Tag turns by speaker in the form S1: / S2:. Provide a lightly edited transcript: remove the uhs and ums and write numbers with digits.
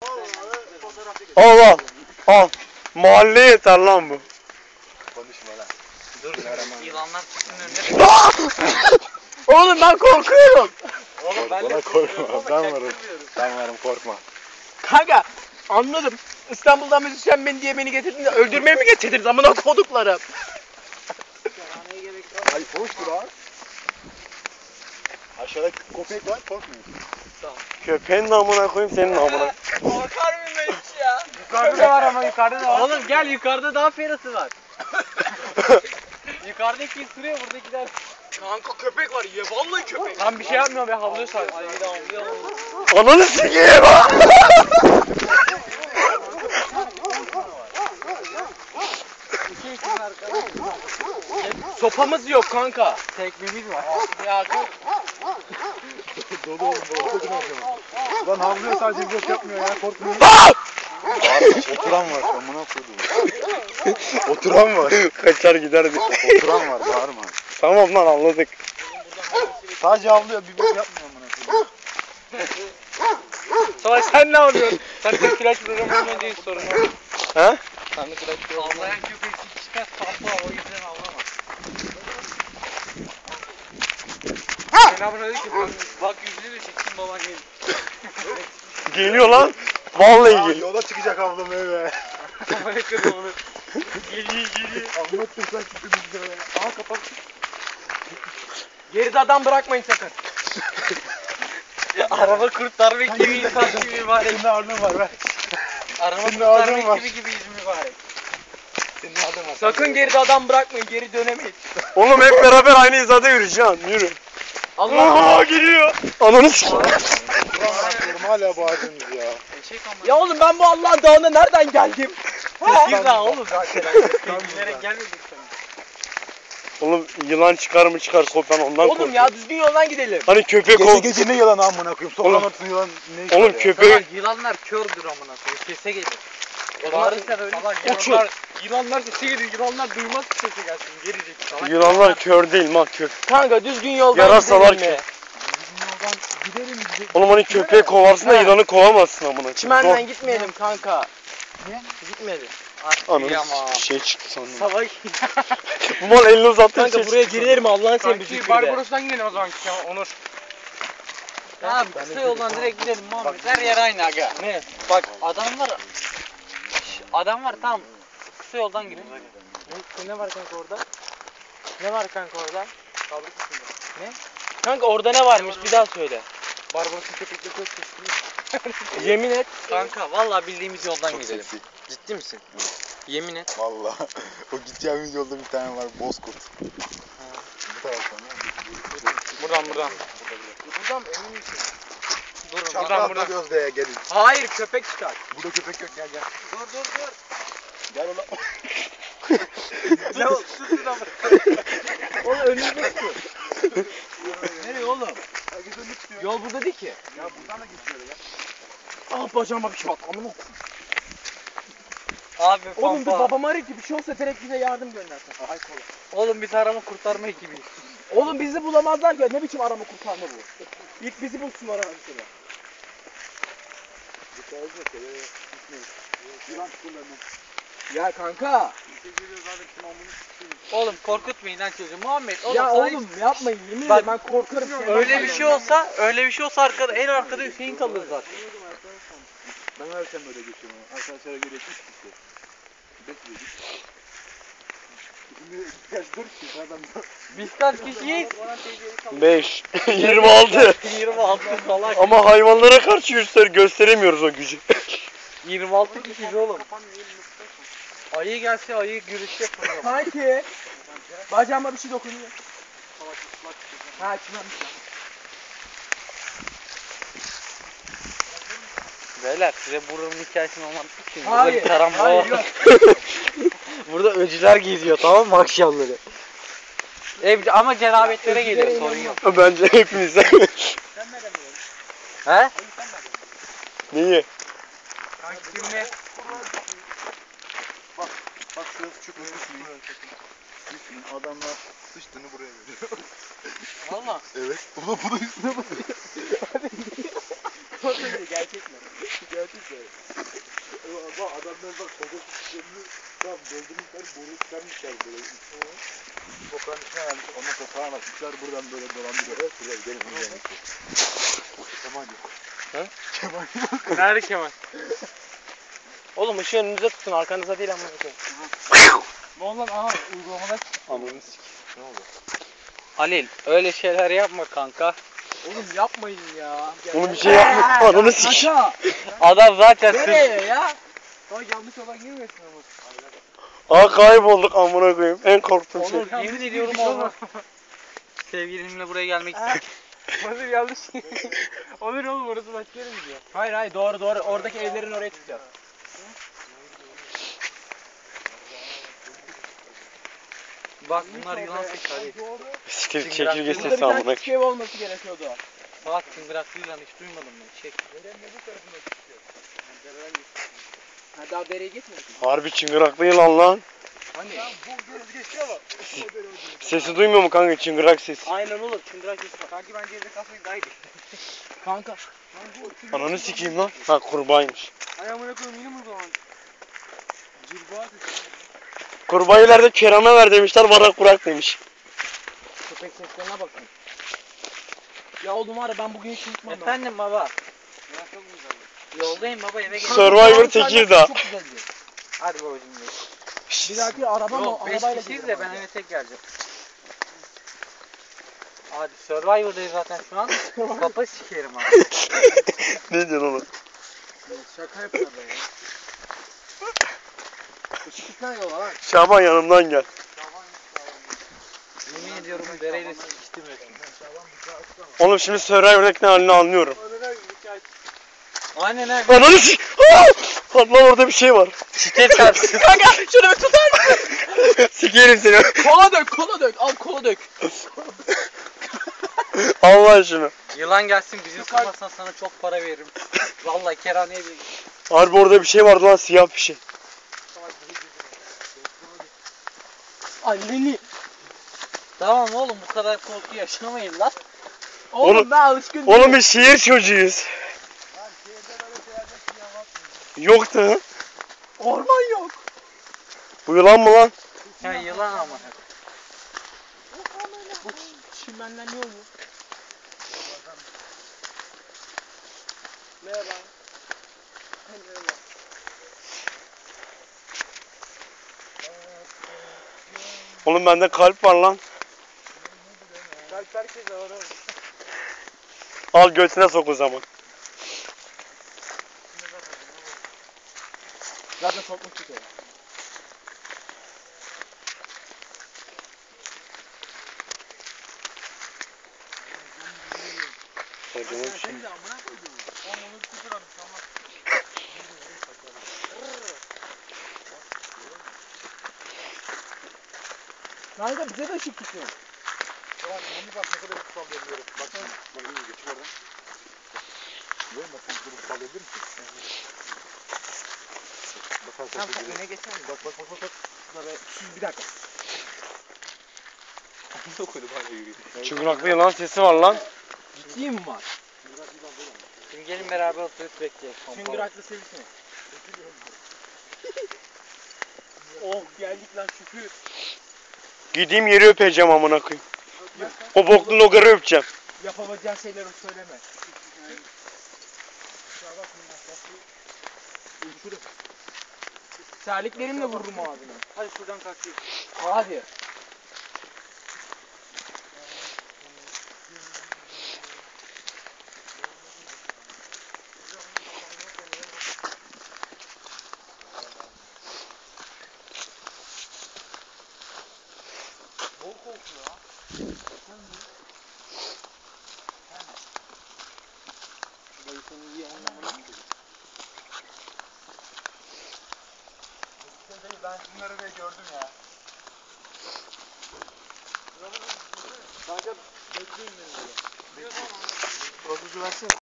S1: Al al. Al. Mahalleye yeter lan bu.
S2: Konuşma lan.
S3: Dur yılanlar çıksın önüne.
S1: Oğlum ben korkuyorum.
S3: Oğlum ben de
S2: Bana
S3: korkuyorum
S2: korkma.
S3: ama
S2: Ben varım.
S3: çaktırmıyorum.
S2: Ben varım korkma.
S1: Kanka anladım. İstanbul'dan müzisyen beni diye beni getirdin de öldürmeye mi getirdiniz amına koduklarım?
S2: Ay hoştur abi. Aşağıda köpek var korkmuyorsun.
S1: Köpeğin namına koyayım senin namına.
S3: Korkar mıyım ben hiç ya?
S1: Yukarıda da var ama yukarıda da var.
S3: Oğlum gel yukarıda daha ferası var. Yukarıdaki ısırıyor buradakiler.
S1: Kanka köpek var ya vallahi köpek.
S3: Lan bir şey yapmıyor be havluyor sadece. Ay bir de havluyor.
S1: Ananı sikeyim. Sopamız yok kanka.
S3: Tekmemiz var. Ya
S2: Dolu Lan havlıyor sadece blok yapmıyor ya korkmuyor. Oturan var amına koyduğum. Oturan var.
S1: Kaçar giderdik.
S2: Oturan var bağırma.
S1: Tamam lan anladık.
S2: Sadece havlıyor bir bok yapmıyor amına koyduğum.
S3: Salak sen ne yapıyorsun? Sen de flash programı oynayınca hiç sorun yok.
S1: He?
S3: Sen de flash programı avlayan köpek çıkar sapla o yüzden avlama. Selamünaleyküm. Bak yüzünü de çeksin baban gelin.
S1: Geliyor lan. Vallahi
S2: Ya,
S1: geliyor.
S2: yola çıkacak avlamaya be.
S3: Kafaya kırdım onu. Geliyor.
S2: Anlatırsan çıktı bizde be. Aa kapat.
S1: Geride adam bırakmayın sakın.
S3: Araba kurtarma ekibi insan gibi mübarek.
S2: Senin ağırlığın var be.
S3: Araba
S2: Senin
S3: kurtarma
S2: ağzın var.
S3: ekibi gibiyiz mübarek.
S2: Senin ağırlığın var.
S1: Sakın geride adam bırakmayın. Geri dönemeyin. Oğlum hep beraber aynı hizada yürüyeceğiz. Yürü. Allah geliyor. Ananı sikeyim.
S2: Ulan hala bağırdınız ya.
S3: Eşek ama.
S1: Ya oğlum ben bu Allah'ın dağına nereden geldim?
S3: Bir daha oğlum zaten. Bilerek gelmedik sana.
S1: Oğlum yılan çıkar mı çıkar ben ondan
S3: Oğlum
S1: korkuyorum.
S3: ya düzgün yoldan gidelim.
S1: Hani köpek
S2: Gece
S1: ol.
S2: gece ne yalan amına koyayım. Sokağın
S1: Oğlum.
S2: ortasında yılan ne işi var
S1: Oğlum
S2: ya?
S1: köpeği.
S3: Salak yılanlar kördür amına koyayım. Sese gelir. O zaman sen öyle.
S1: Uçur.
S3: Yılanlar sese gelir. Yılanlar duymaz ki sese gelsin. Gelecek. Salak
S1: Yılanlar kör değil lan kör.
S3: Kanka düzgün yoldan
S1: Yarasalar
S3: gidelim mi?
S2: Bizim yoldan gidelim gidelim.
S1: Oğlum hani köpeği kovarsın da yılanı kovamazsın amına.
S3: Çimenden gitmeyelim kanka.
S2: Niye?
S3: Gitmeyelim.
S1: Ananı şey çıktı sandım.
S3: Salak.
S1: Bu mal elini uzattı.
S3: Kanka buraya girilir mi Allah'ın senin bir
S4: Kanki
S3: fikri de.
S4: Barbaros'tan gidelim o zaman ya Onur.
S3: Abi kısa yoldan direkt gidelim Muhammed. Her yer aynı aga. Ne? Bak adamlar tam kısa yoldan gidiyor. Ne var kanka orada? Ne var kanka orada? Ne? Kanka orada ne varmış bir daha söyle.
S2: Barbaros'un köpekle çok sesli.
S3: Yemin et. Kanka vallahi bildiğimiz yoldan
S2: Çok
S3: gidelim.
S2: seksi.
S3: Ciddi misin? Yemin et.
S2: Valla. O gideceğimiz yolda bir tane var Bozkurt. Bu taraftan ya.
S3: Buradan.
S2: Buradan emin misin?
S3: Durun.
S2: Çaprazda Gözde'ye gelin.
S3: Hayır köpek çıkar.
S2: Burada köpek yok gel gel.
S3: Dur.
S2: Gel ulan.
S3: Ne oldu? Oğlum önümüzde su. Nereye oğlum?
S2: Herkes önünü tutuyor.
S3: Yol burada değil ki.
S2: Ya buradan da geçiyor ya.
S1: Ah bacağıma bir şey bak amına.
S3: Abi
S1: Oğlum bir babam arayıp ki bir şey olsa direkt bize yardım göndersin. Ay kola.
S3: Oğlum biz arama kurtarma ekibiyiz.
S1: Oğlum bizi bulamazlar ya ne biçim arama kurtarma bu. İlk bizi bulsunlar mesela.
S2: Yılan tutuyorlar.
S1: Ya kanka.
S3: Oğlum korkutmayın lan çocuğu. Muhammed oğlum
S1: Ya
S3: sana
S1: oğlum yapmayın yemin
S3: Bak,
S1: ederim ben korkarım.
S3: öyle bir şey olsa arkada en arkada Hüseyin kalır zaten.
S2: Ben her sen böyle geçiyorum. Arkadaşlara göre 3 kişi. Bekliyoruz. Şimdi kaç 4 kişi adam.
S3: Biz kaç kişiyiz?
S1: 5 26.
S3: 26 salak.
S1: Ama hayvanlara karşı gösteremiyoruz o gücü.
S3: 26 kişiyiz oğlum. Ayı gelse ayı gürüş yapıyor.
S1: Kanki. Bacağıma bir şey dokunuyor. Ha çimenmiş.
S3: Beyler size buranın hikayesini anlatmak için burada
S1: Hayır.
S3: bir karambol
S1: Hayır
S3: var.
S1: yok.
S3: Burada öcüler geziyor tamam mı akşamları? Ama cerabetlere geliyor sorun yok.
S1: Bence hepimize.
S3: He?
S1: Neyi?
S3: Kanki şimdi
S2: Bak şurası çok düşmeyin. Düşmeyin. Adamlar sıçtığını buraya veriyor.
S3: valla.
S2: Evet. Bu da üstüne basıyor.
S3: Gerçek mi?
S2: Gerçekten. Bak adamlar bak koca sistemini tam doldurmuşlar, boru çıkarmışlar böyle. Sokağın içine vermiş, ondan sonra sağa bakmışlar, buradan böyle dolandırıyor. Buraya gidelim, gidelim. Kemal yok.
S1: He?
S2: Kemal yok.
S3: Nerede Kemal? Oğlum ışığı önünüze tutun, arkanıza değil amına koyayım.
S4: Ne oldu lan? Aha uygulamada
S1: Ananı sik.
S2: Ne oldu?
S3: Halil, öyle şeyler yapma kanka.
S4: Oğlum yapmayın ya.
S1: Oğlum bir şey yapma. Ananı sik.
S4: Aşağı.
S3: Adam zaten
S4: Nereye ya? Daha yanlış olan girmesin ama.
S1: Aa kaybolduk amına koyayım. En korktuğum şey.
S3: Onur, yemin ediyorum olmaz. Sevgilimle buraya gelmek istedim.
S4: Onur yanlış. Onur oğlum orası başka yere gidiyor.
S3: Hayır doğru doğru. Oradaki evlerin oraya tutacağız. Bak bunlar yılan sesi Halil.
S1: Siktir çekirge sesi amına koyayım.
S4: ev olması gerekiyordu.
S3: Salak çıngıraklı yılan hiç duymadım ben. Çek.
S4: Ha daha dereye gitmedik.
S1: Harbi çıngıraklı yılan lan.
S4: Hani? Bu göz geçiyor mu?
S1: Sesi duymuyor mu kanka çıngırak sesi?
S3: Aynen oğlum çıngırak sesi bak.
S4: Sanki bence evde kalsaydı daha iyiydi.
S3: Kanka.
S1: Ananı sikeyim lan. Ha kurbağaymış.
S4: Ayağımına koyayım yine mi o zaman? Cilba
S1: Kurbağayı ileride Kerem'e ver demişler. Varak bırak demiş.
S3: Köpek seslerine bakın.
S4: Ya oğlum var ya ben bugün hiç unutmam.
S3: Efendim baba. Yoldayım baba eve gel.
S1: Survivor Tekirdağ.
S4: Çok güzeldi.
S3: Hadi babacığım.
S4: Bir dahaki araba mı?
S3: Yok 5
S4: Arabayla
S3: kişiyiz
S4: gidelim
S3: de ben
S4: abi.
S3: eve tek geleceğim. Hadi Survivor'dayız zaten şu an. Kafa sikerim abi.
S1: Ne diyorsun oğlum?
S4: Şaka yapıyor be ya. Işıktan yola lan.
S1: Şaban yanımdan gel.
S3: Yemin ediyorum dereyle sikiştim resmen.
S1: Oğlum şimdi Survivor'daki ne halini anlıyorum.
S3: Aynen ha.
S1: Ananı sik. Lan orada bir şey var.
S3: Sike çarpsın.
S4: Kanka şunu bir tutar mısın?
S1: Sikerim seni.
S4: Kola dök, kola dök. Al kola dök.
S1: Allah şunu.
S3: Yılan gelsin bizi ısırmazsan sana çok para veririm. Vallahi kerhaneye bile git.
S1: Harbi orada bir şey vardı lan siyah bir şey.
S4: Anneni.
S3: Tamam oğlum bu kadar korku yaşamayın lan.
S4: Oğlum,
S1: Oğlum-
S4: ben alışkın değilim.
S1: Oğlum biz şehir çocuğuyuz. Yoktu.
S4: Orman yok.
S1: Bu yılan mı lan?
S3: Ya yılan ama.
S4: Bu çimenden ne oluyor? Merhaba. Merhaba.
S1: Oğlum bende kalp var lan.
S4: Kalp herkese var oğlum.
S1: Al götüne sok o zaman.
S4: Zaten sokmak çıkıyor. Kanka bize de ışık tutuyor.
S2: Tamam, bunu bak ne kadar kutsal veriyorum. Bak şimdi, bak iyi geçip oradan. Görüyor musun? Bak sen bunu kutsal verir misin? Bak
S3: Tamam sen öne geçer misin?
S2: bak.
S4: Bir dakika.
S2: Amına koydum hala yürüyor.
S1: Çıngıraklı yılan sesi var lan.
S4: Ciddi mi var?
S3: Şimdi gelin beraber oturup bekleyelim.
S4: Çıngıraklı sevişme. Oh geldik lan şükür.
S1: Gideyim yeri öpeceğim amına koyayım. O boklu logarı öpeceğim.
S4: Yapamayacağın şeyleri söyleme. Terliklerimle vururum ağzına.
S3: Hadi şuradan kalkayım.
S4: Hadi.
S2: Ben bunları da gördüm ya. Kanka bekleyin beni. Profesör versene.